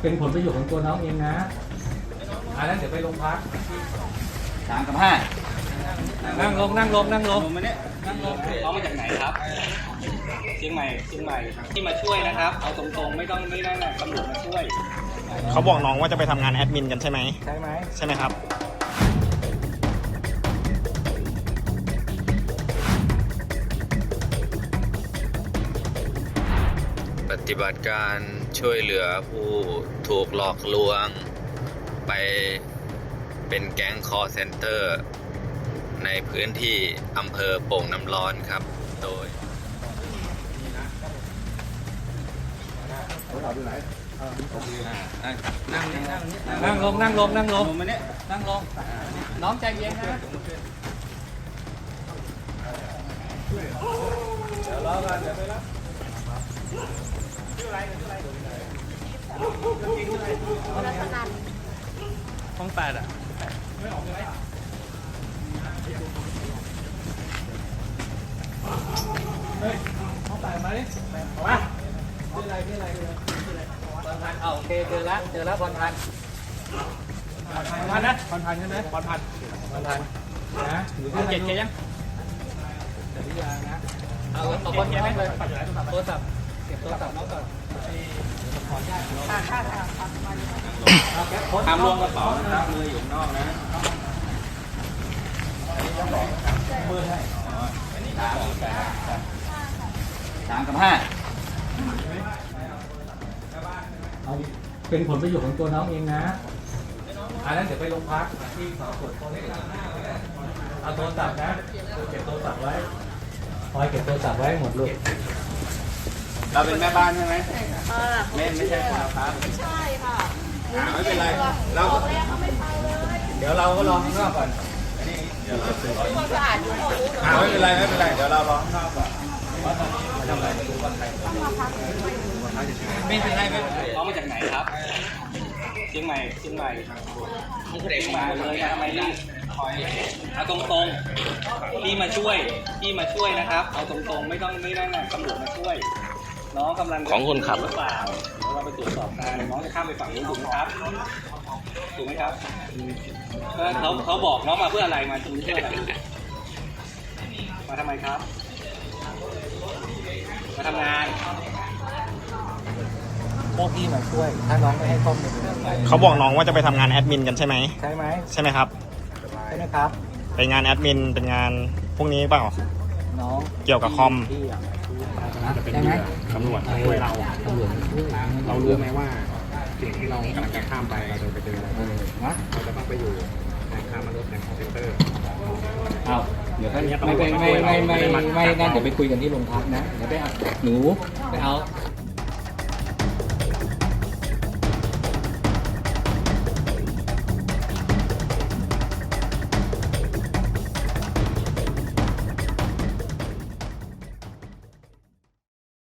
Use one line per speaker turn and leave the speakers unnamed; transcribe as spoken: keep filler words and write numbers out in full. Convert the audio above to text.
เป็นผลประโยชน์ของตัวน้องเองนะอันนั้นเดี๋ยวไปโรงพัก
สามกับห้า
นั่งลงนั่งลงนั่งลง
มาเนี่ยนั่งลงน้องมาจากไหนครับเชียงใหม่เชียงใหม่ที่มาช่วยนะครับเอาตรงๆไม่ต้องไม่ได้นะตำรวจมาช่วย
เขาบอกน้องว่าจะไปทำงานแอดมินกันใช่ไหม
ใช่ไหม
ใช่ไหมครับ
ปฏิบัติการช่วยเหลือผู้ถูกหลอกลวงไปเป็นแก๊งคอลเซ็นเตอร์ในพื้นที่อำเภอโป่งน้ำร้อนครับโดย
นั่งนั่งลงนั่งลงนั่งลงมาเนี่ยนั่งลงน้องใจเย็นนะเดี๋ยวรอกันเดี๋ยวไปรับชื่ออะไรชื่ออะไรรัตนันห้องแปดอ่ะไม่ออกเลยเฮ้ยห้องแปดมาดิออกมาชื่ออะไรชื่ออะไรชื่ออะไรพรพันธ์เอาโอเคเจอแล้วเจอแล้วพรพันธ์พรพันธ์นะพรพันธ์ใช่ไหมพรพันธ์พรพันธ์นะอยู่ที่เจ็ดเจ็ดยังเจ็ดที่ยังนะเอาเอาคนเจ็บไหมเลยโทรศัพท์เก็บโทรศัพท์น้องก่อนขออนุญาตค่ะค่ะค่ะ
ห้ามล้วงกระเป๋านะครับมืออยู่นอกนะ
มือให้
สามกับห้า
เอาเป็นผลประโยชน์ของตัวน้องเองนะอันนั้นเดี๋ยวไปโรงพักที่สอบสวนตัวเลขเอาโทรศัพท์นะเก็บโทรศัพท์ไว้คอยเก็บโทรศัพท์ไว้หมดลูก
เราเป็นแม่บ้านใช่ไหม
ไม่
ไม่ใช่ครับ
ใช่ค่ะ
ไม่เป็นไรเรา
เดี๋
ยวเราก็รอข้างนอกก่อนเดี๋ยวเราซื้อ
ความสะอาดอยู่หมด
ไม่เป็นไรไม่เป็นไรเดี๋ยวเรารอข้างนอกก่อนทำอะไรดูวันไทยไม่เป็นไรไม่เป็นไรน้องมาจากไหนครับเชียงใหม่เชียงใหม่มุกเด็กมาเลยนะทำไมรีบคอยเอาตรงๆพี่มาช่วยพี่มาช่วยนะครับเอาตรงๆไม่ต้องไม่ได้นะตำรวจมาช่วยน้องกำลัง
ของคุณครับ
หรือเปล่าเราไปตรวจสอบกันน้องจะข้ามไปฝั่งนู้นถูกไหมครับถูกไหมครับเขาเขาบอกน้องมาเพื่ออะไรมาชุมนุมเพื่ออะไรมาทำไมครับมาทำงาน
พวกพี่มาช่วยถ้าน้องไม่ให้ข้อมูล
เขาบอกน้องว่าจะไปทำงานแอดมินกันใช่ไหม
ใช่ไหม
ใช่ไหมครับ
ใช่ไหมครับ
ไปงานแอดมินเป็นงานพวกนี้เปล่า
น้อง
เกี่ยวกับคอม
จะเป็นตำรวจช่วยเราเรารู้ไหมว่าสิ่งที่เรากำลังจะข้ามไปเราจะไปเจออะไร
นะ
เราจะต้องไปอยู่ในค้ามนุษย์ในคอมพิวเตอร์
เอาเดี๋ยวไม่ไม่ไม่ไม่ไม่ไม่ไม่งั้นเดี๋ยวไปคุยกันที่โรงพักนะเดี๋ยวไปเอาหนูไปเอา